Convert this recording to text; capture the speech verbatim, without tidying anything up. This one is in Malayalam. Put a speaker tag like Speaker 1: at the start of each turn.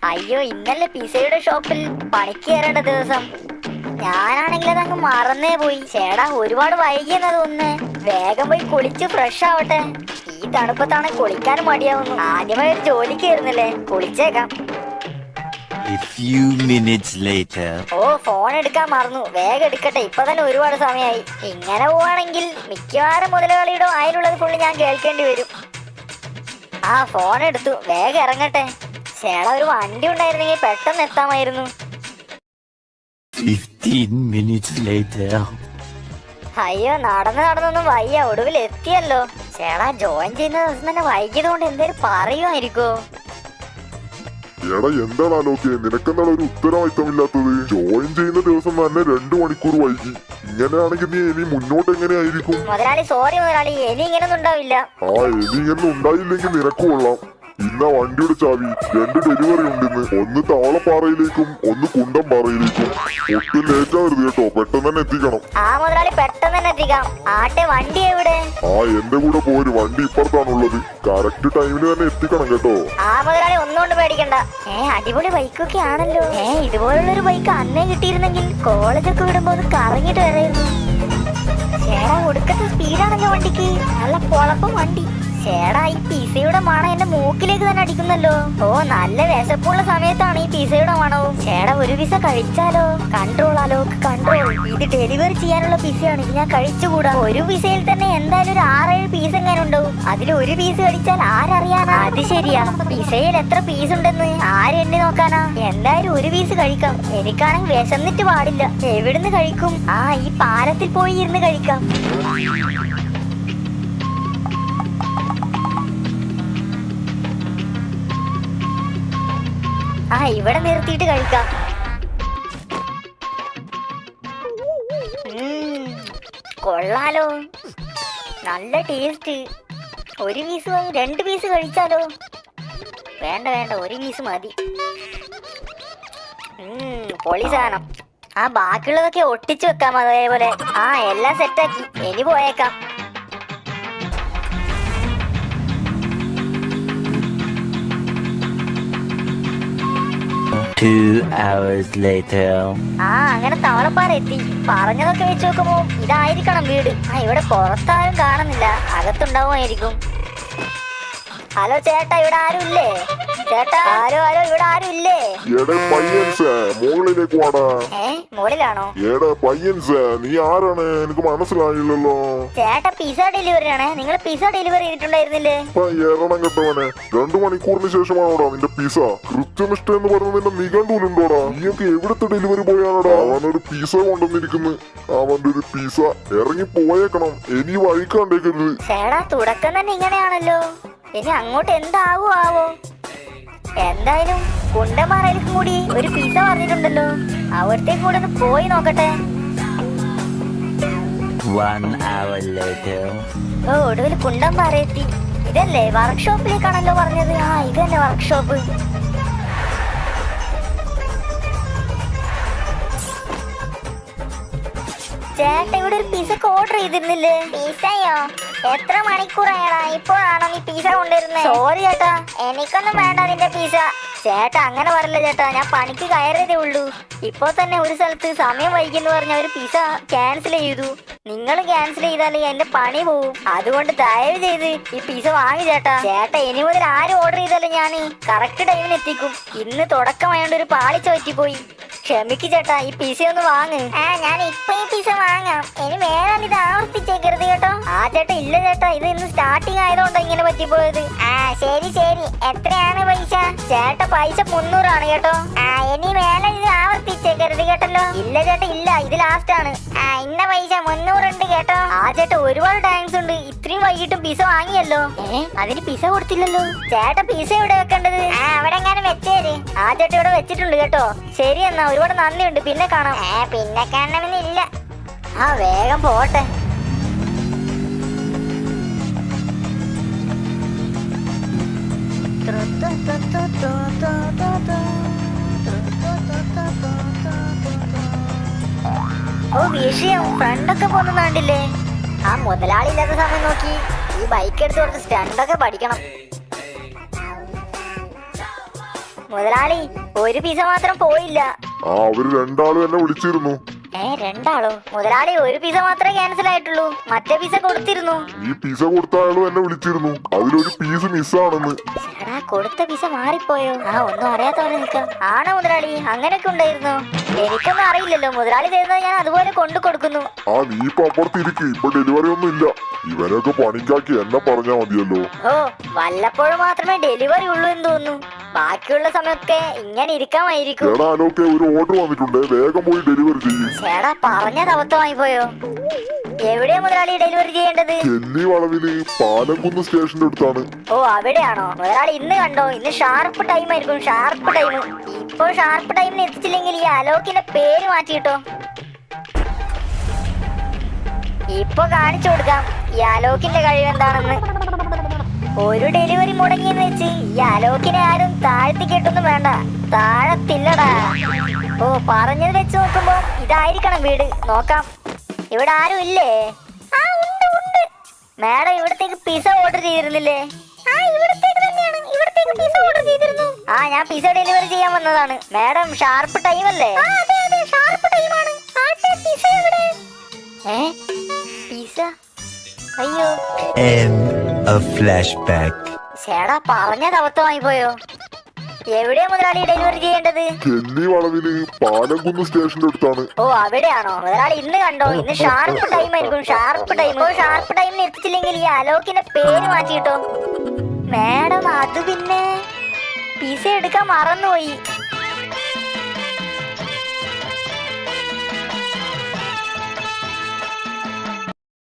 Speaker 1: അയ്യോ, ഇന്നലെ പിസയുടെ ഷോപ്പിൽ പണിക്ക് കയറേണ്ട ദിവസം. ഞാനാണെങ്കിൽ അതങ്ങ് മറന്നേ പോയി. ചേടാ, ഒരുപാട് വൈകിയെന്നാ തോന്നുന്നേ. വേഗം പോയി കുളിച്ച് ഫ്രഷ് ആവട്ടെ. ഈ തണുപ്പത്താണ് കുളിക്കാനും മടിയാവുന്നു. ആദ്യമായി ഒരു ജോലിക്ക് കയറുന്നല്ലേ, കുളിച്ചേക്കാം.
Speaker 2: A few minutes later.
Speaker 1: ഓ, ഫോൺ എടുക്കാൻ മറന്നു. വേഗം എടുക്കട്ടെ, ഇപ്പൊ തന്നെ ഒരുപാട് സമയമായി. ഇങ്ങനെ പോവാണെങ്കിൽ മിക്കവാറും മുതലാളിയുടെ വായിലുള്ളത് ഫുള്ള് ഞാൻ കേൾക്കേണ്ടി വരും. ആ, ഫോൺ എടുത്തു. വേഗം ഇറങ്ങട്ടെ. ചേടാ, ഒരു വണ്ടി ഉണ്ടായിരുന്നെങ്കിൽ പെട്ടെന്ന് എത്താമായിരുന്നു.
Speaker 2: Fifteen minutes later.
Speaker 1: അയ്യോ, നടന്ന് നടന്നൊന്നും വയ്യ. ഒടുവിൽ എത്തിയല്ലോ. ചേടാ, ജോയിൻ ചെയ്യുന്ന ദിവസം തന്നെ വൈകിയത് കൊണ്ട് എന്തേലും പറയുമായിരിക്കോ?
Speaker 3: എടാ, എന്താടാ ലോക്കെ, നിനക്കെന്താണ് ഒരു ഉത്തരവാദിത്തമില്ലാത്തത്? ജോയിൻ ചെയ്യുന്ന ദിവസം തന്നെ രണ്ടു മണിക്കൂർ വൈകി. ഇങ്ങനെയാണെങ്കിൽ നീ ഇനി മുന്നോട്ട് എങ്ങനെയായിരിക്കും?
Speaker 1: മുതലാളി, സോറി മുതലാളി, ഇനി ഇങ്ങനൊന്നും ഉണ്ടാവില്ല.
Speaker 3: ആ, ഇനി ഇങ്ങനെ ഉണ്ടായില്ലെങ്കിൽ നിനക്ക് കൊള്ളാം. ഇന്ന വണ്ടിയുടെ ചാവി. രണ്ട് ഡെലിവറി ഉണ്ടെന്ന്. ഒന്ന് താളപ്പാറയിലേക്കും ഒന്ന് കുണ്ടംപാറയിലേക്കും. ഒട്ടും ലേറ്റ് ആവരുത് കേട്ടോ, പെട്ടെന്ന് തന്നെ എത്തിക്കണം.
Speaker 1: ആ മുതലാളി, പെട്ടെന്ന് തന്നെ എത്തിക്കാം. ആട്ടെ, വണ്ടി എവിടെ?
Speaker 3: ആ, എന്റെ കൂടെ പോര്. വണ്ടി ഇപ്പുറത്താണുള്ളത്. കറക്റ്റ് ടൈമിന് തന്നെ എത്തിക്കണം കേട്ടോ.
Speaker 1: ആ മുതലാളി, ഒന്നുകൊണ്ട് പേടിക്കണ്ട. ഏ, അടിപൊളി ബൈക്കൊക്കെ ആണല്ലോ. ഏ, ഇതുപോലുള്ളൊരു ബൈക്ക് അന്നേ കിട്ടിയിരുന്നെങ്കിൽ കോളേജൊക്കെ വിടുമ്പോ ഒന്ന് കറങ്ങിട്ട് വരായിരുന്നു. ചേടാ, ഒടുക്കത്തെ സ്പീഡാണല്ലോ വണ്ടിക്ക്. നല്ല പൊളപ്പം വണ്ടി. ചേടാ, ഈ പിസയുടെ മണം എന്റെ മൂക്കിലേക്ക് തന്നെ അടിക്കുന്നല്ലോ. ഓ, നല്ല വിശപ്പുള്ള സമയത്താണ് ഈ പിസയുടെ മണവും. ചേടാ, ഒരു പിസ കഴിച്ചാലോ? കൺട്രോൾ ആലോ, കൺട്രോൾ. ഇത് ഡെലിവറി ചെയ്യാനുള്ള പിസയാണ്. ഇത് ഞാൻ കഴിച്ചുകൂടാ. ഒരു പിസയിൽ തന്നെ എന്തായാലും ഒരു ആറേഴ് പീസ് എങ്ങനെ ഉണ്ടാവും. അതിൽ ഒരു പീസ് കഴിച്ചാൽ ആരറിയാനാ? അത് ശരിയാ, പിസയിൽ എത്ര പീസ് ഉണ്ടെന്ന് ആര് എണ്ണി നോക്കാനാ? എന്തായാലും ഒരു പീസ് കഴിക്കാം. എനിക്കാണെങ്കിൽ വിശന്നിട്ട് പാടില്ല. എവിടുന്ന് കഴിക്കും? ആ, ഈ പാലത്തിൽ പോയി ഇരുന്ന് കഴിക്കാം. ആ, ഇവിടെ നിർത്തിയിട്ട് കഴിക്കാം. കൊള്ളാലോ, നല്ല ടേസ്റ്റ്. ഒരു പീസ് വാങ്ങി രണ്ട് പീസ് കഴിച്ചാലോ? വേണ്ട വേണ്ട, ഒരു പീസ് മതി. പൊളി സാധനം. ആ, ബാക്കിയുള്ളതൊക്കെ ഒട്ടിച്ചു വെക്കാം അതേപോലെ. ആ, എല്ലാം സെറ്റാക്കി. ഇനി പോയേക്കാം.
Speaker 2: Two hours later.
Speaker 1: ആ, അങ്ങനെ താളപ്പാറ എത്തി. പറഞ്ഞതൊക്കെ വെച്ച് നോക്കുമ്പോ ഇതായിരിക്കണം വീട്. ആ, ഇവിടെ പുറത്താരും കാണുന്നില്ല. അകത്തുണ്ടാവുമായിരിക്കും. ഹലോ ചേട്ടാ, ഇവിടെ ആരും ഇല്ലേ? ചേട്ടാ, ഹലോ ഹലോ, ഇവിടെ ആരും ഇല്ലേ?
Speaker 3: എടേ പയ്യൻസ്, മുകളിലേക്ക് വാടാ.
Speaker 1: ഏ, മുകളിലാണോ?
Speaker 3: എടേ പയ്യൻസ്, നീ ആരാണ്? എനിക്ക് മനസ്സിലായില്ലല്ലോ.
Speaker 1: ചേട്ടാ, പിസ ഡെലിവറി ആണ്. നിങ്ങൾ പിസ ഡെലിവറി ചെയ്തിട്ടുണ്ടായിരുന്നില്ലേ?
Speaker 3: ഏറണം കേട്ടവനെ, രണ്ടു മണിക്കൂറിന് ശേഷമാണോടാ നിന്റെ പിസ? കൃത്യനിഷ്ഠ എന്ന് പറയുന്ന നിന്റെ നിഘണ്ടുലുണ്ടോടാ? നീയൊക്കെ എവിടുത്തെ ഡെലിവറി പോയാണോടാ? അവനൊരു പിസ കൊണ്ടുവന്നിരിക്കുന്നു. അവന്റെ ഒരു പിസ. ഇറങ്ങി പോയേക്കണം. ഇനി വഴിക്കാണ്ടേക്കരുത്.
Speaker 1: ചേട്ടാ, തുടക്കം തന്നെ ഇങ്ങനെയാണല്ലോ. ഇനി അങ്ങോട്ട് എന്താവോ ആവോ? എന്തായാലും കുണ്ടമാറയിലും കൂടി ഒരു പിസ പറഞ്ഞിട്ടുണ്ടല്ലോ. അവിടത്തേക്ക് കൂടെ ഒന്ന് പോയി നോക്കട്ടെ.
Speaker 2: One hour later.
Speaker 1: ഓ, ഒടുവിൽ കുണ്ടംപാറ എത്തി. ഇതല്ലേ വർക്ക്ഷോപ്പിലേക്കാണല്ലോ പറഞ്ഞത്? ആ, ഇതല്ലേ വർക്ക്ഷോപ്പ്. ചേട്ടാ, ഇവിടെ ഒരു പിസക്ക് ഓർഡർ ചെയ്തിരുന്നില്ലേ? പിസയോ? എത്ര മണിക്കൂറായടാ? ഇപ്പോഴാണോ നീ പിസ കൊണ്ടുവരുന്നത്? സോറി ചേട്ടാ, എനിക്കൊന്നും വേണ്ട നിന്റെ പിസ. ചേട്ടാ, അങ്ങനെ പറയില്ല ചേട്ടാ, ഞാൻ പണിക്ക് കയറിയതേ ഉള്ളൂ. ഇപ്പൊ തന്നെ ഒരു സ്ഥലത്ത് സമയം വൈകിയെന്ന് പറഞ്ഞ ഒരു പിസ ക്യാൻസൽ ചെയ്തു. നിങ്ങൾ ക്യാൻസൽ ചെയ്താൽ എന്റെ പണി പോവും. അതുകൊണ്ട് ദയവ് ചെയ്ത് ഈ പിസ വാങ്ങി ചേട്ടാ. ചേട്ടാ, ഇനി മുതൽ ആരും ഓർഡർ ചെയ്താലും ഞാൻ കറക്റ്റ് ടൈമിന് എത്തിക്കും. ഇന്ന് തുടക്കമായോണ്ട് ഒരു പാളിച്ച പറ്റിപ്പോയി. ക്ഷമിക്ക് ചേട്ടാ, ഈ പിസ ഒന്ന് വാങ്ങ്. ആ, ഞാൻ ഇപ്പൊ ഈ പിസ വാങ്ങാം. ഇനി വേറെ ഇത് ആവർത്തിച്ചേക്കരുത് കേട്ടോ. ആ ചേട്ടാ, ഇല്ല ചേട്ടാ, ഇത് ഇന്ന് സ്റ്റാർട്ടിങ് ആയതുകൊണ്ടാ ഇങ്ങനെ പറ്റിപ്പോയത്. ആ, ശരി ശരി. എത്രയാണ് പൈസ? ചേട്ടാ, പൈസ മുന്നൂറാണ് കേട്ടോ. ആ, ഇനി വേറെ ഇത് ആവർത്തിച്ചേക്കരുത് കേട്ടല്ലോ. ഇല്ല ചേട്ടാ, ഇല്ല, ഇത് ലാസ്റ്റ് ആണ്. ആ, ഇന്ന പൈസ മുന്നൂറുണ്ട് കേട്ടോ. ആ ചേട്ടാ, ഒരുപാട് താങ്ക്സ് ഉണ്ട്. ഇത്രയും വൈകിട്ടും പിസ വാങ്ങിയല്ലോ. ഏ, അതിന് പിസ കൊടുത്തില്ലല്ലോ. ചേട്ടാ, പിസ ഇവിടെ വെക്കേണ്ടത്? ആ, അവിടെ എങ്ങാനും വെച്ചേര്. ആ ചേട്ടാ, ഇവിടെ വെച്ചിട്ടുണ്ട് കേട്ടോ. ശരി എന്നാ, ഒരുപാട് നന്ദിയുണ്ട്. പിന്നെ കാണാം. ഏ, പിന്നെ കാണണമെന്നില്ല. ആ, വേഗം പോട്ടെ. ഓ, വിഷയം ഫ്രണ്ടൊക്കെ പോകുന്നുണ്ടില്ലേ? ആ, മുതലാളി ഇല്ലാത്ത സമയം നോക്കി ഈ ബൈക്ക് എടുത്ത് കൊടുത്ത് സ്റ്റണ്ടൊക്കെ പഠിക്കണം. മുതലാളി ഒരു പിസ മാത്രം പോയില്ല.
Speaker 3: ആ അവര് രണ്ടാളും എന്നെ വിളിച്ചിരുന്നു.
Speaker 1: ഏ രണ്ടാളോ? മുതലാളി ഒരു പിസ മാത്രമേ ക്യാൻസൽ ആയിട്ടുള്ളൂ, മറ്റേ പിസ കൊടുത്തിരുന്നു.
Speaker 3: ഈ പിസ കൊടുത്ത ആളും എന്നെ വിളിച്ചിരുന്നു, അതിലൊരു പീസ് മിസ്സാണെന്ന്.
Speaker 1: എടാ കൊടുത്ത പിസ മാറിപ്പോയോ? ആ ഒന്നും അറിയാത്ത പോലെ നിൽക്കാം. ആണോ മുതലാളി? അങ്ങനെയൊക്കെ ഉണ്ടായിരുന്നു? എനിക്കൊന്നും അറിയില്ലല്ലോ. മുതലാളി തരുന്നത് ഞാൻ അതുപോലെ കൊണ്ടു കൊടുക്കുന്നു.
Speaker 3: ആ നീ ഇപ്പൊ അപ്പുറത്തിരിക്കും, ഇപ്പൊ ഡെലിവറി ഒന്നും ഇല്ല. ഇവനൊക്കെ പണിക്കാക്കി എന്നെ പറഞ്ഞാ മതിയല്ലോ.
Speaker 1: ഓ വല്ലപ്പോഴും മാത്രമേ ഡെലിവറി ഉള്ളൂ എന്ന് തോന്നുന്നു. ബാക്കിയുള്ള സമയമൊക്കെ ഇങ്ങനെ ഇരിക്കാമായിരിക്കും.
Speaker 3: എടാ അലോക്കെ ഒരു ഓർഡർ വന്നിട്ടുണ്ട്, വേഗം പോയി ഡെലിവറി ചെയ്യും.
Speaker 1: ചേടാ പറഞ്ഞത് അബദ്ധമായി പോയോ? എവിടെയാ മുതലാളി ഡെലിവറി ചെയ്യേണ്ടത്?
Speaker 3: ചെല്ലി വളവില് പാലക്കുന്ന് സ്റ്റേഷന്റെ അടുത്താണ്.
Speaker 1: ഓ അവിടെയാണോ? മുതലാളി ഇന്ന് കണ്ടോ, ഇന്ന് ഷാർപ്പ് ടൈം ആയിരിക്കും. Sharp time. ഇപ്പൊ ഷാർപ്പ് ടൈമിന് എത്തിച്ചില്ലെങ്കിൽ ഈ അലോക്കിന്റെ പേര് മാറ്റിയിട്ടോ. ഇപ്പൊ കാണിച്ചു കൊടുക്കാം ഈ അലോക്കിന്റെ കഴിവ് എന്താണെന്ന്. ഒരു ഡെലിവറി മുടങ്ങിയെന്ന് വെച്ച് ഈ അലോക്കിനെ ആരും താഴ്ത്തി കേട്ടൊന്നും വേണ്ട, താഴത്തില്ലടാ. ഓ പറഞ്ഞത് വെച്ച് നോക്കുമ്പോ ഇതായിരിക്കണം വീട്. നോക്കാം, ഇവിടെ ആരും ഇല്ലേ? ആ ഉണ്ട് ഉണ്ട്. മാഡം ഇവിടത്തേക്ക് പിസ ഓർഡർ ചെയ്തിരുന്നില്ലേ? ആ ഇവിടത്തേക്ക് തന്നെയാണ്, ഇവിടത്തേക്ക് പിസ ഓർഡർ ചെയ്തിരുന്നു. ആ ഞാൻ പിസ ഡെലിവറി ചെയ്യാൻ വന്നതാണ്. മാഡം ഷാർപ്പ് ടൈം അല്ലേ? അതെ അതെ ഷാർപ്പ് ടൈമാണ്. പിസ എവിടെ? ഏ പിസ? അയ്യോ
Speaker 2: End of flashback.
Speaker 1: ചേടാ പറഞ്ഞത് അബദ്ധമായി പോയോ? എവിടെയാ മുതലാളി ഡെലിവറി ചെയ്യേണ്ടത്?
Speaker 3: ചെല്ലി വളവില് പാലക്കുന്ന് സ്റ്റേഷന്റെ അടുത്താണ്.
Speaker 1: ഓ അവിടെയാണോ? മുതലാളി ഇന്ന് കണ്ടോ, ഇന്ന് ഷാർപ്പ് ടൈം ആയിരിക്കും. Sharp time. ഓ ഷാർപ്പ് ടൈമിന് എത്തിച്ചില്ലെങ്കിൽ ഈ അലോക്കിന്റെ പേര് മാറ്റിയിട്ടോ. മാഡം അത് പിന്നെ പിസ എടുക്കാൻ മറന്നുപോയി.